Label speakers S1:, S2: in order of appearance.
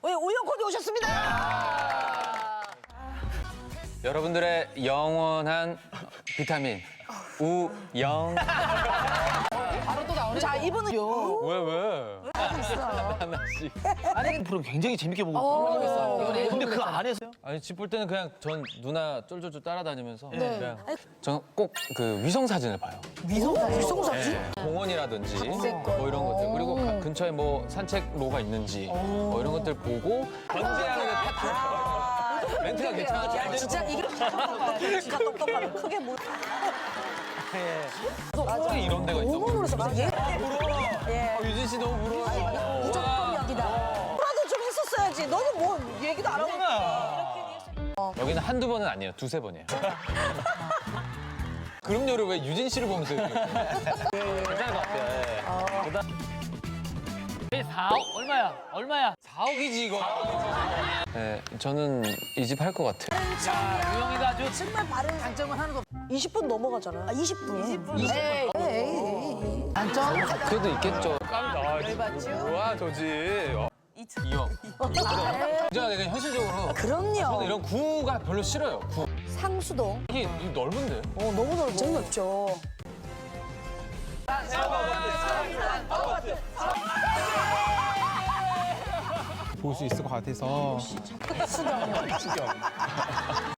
S1: 우영 코디 오셨습니다.
S2: 여러분들의 영원한 비타민 우영.
S1: 바로 또 나오네. 자, 이분은요.
S2: 왜? 하나씩.
S3: 아니 프로 굉장히 재밌게 보고 있어요. 근데 그 안에서요?
S2: 아니 집 볼 때는 그냥 전 누나 쫄쫄쫄 따라다니면서 그냥 저는 꼭 그 위성 사진을 봐요.
S1: 위성 사진?
S2: 공원이라든지 뭐 이런 것들 그리고 근처에 뭐 산책로가 있는지 뭐 이런 것들 보고 견제하는 파트. 멘트가 괜찮아.
S1: 야, 진짜 이게 진짜 똑똑하다. 크게 못.
S2: 맞아. 이런 데가 있어.
S1: 너무 놀랐어. 얘
S2: 유진 씨 너무 부러워.
S1: 무조건 여기다. 뭐라도 좀 했었어야지. 너는 뭐 얘기도 안 하고.
S2: 여기는 한두 번은 아니에요. 두세 번이에요. 그럼요를 왜 유진 씨를 보면서 이렇게.
S3: 괜찮을 것 같아요. 4억? 얼마야?
S2: 4억이지 이거. 네, 저는 이 집 할 것 같아요.
S3: 야, 유영이가 아주
S1: 정말 바른 장점을 하는 거. 20분 넘어가잖아. 20분. 20분. 에이. 단점?
S2: 그래도 있겠죠. 깜짝. 뭐야 저지. 2억. 진짜 내가 현실적으로
S1: 그럼요.
S2: 저는 이런 구가 별로 싫어요. 구.
S1: 상수동.
S2: 이게 넓은데?
S1: 너무 넓어. 재미없죠.
S4: 볼 수 있을 것 같아서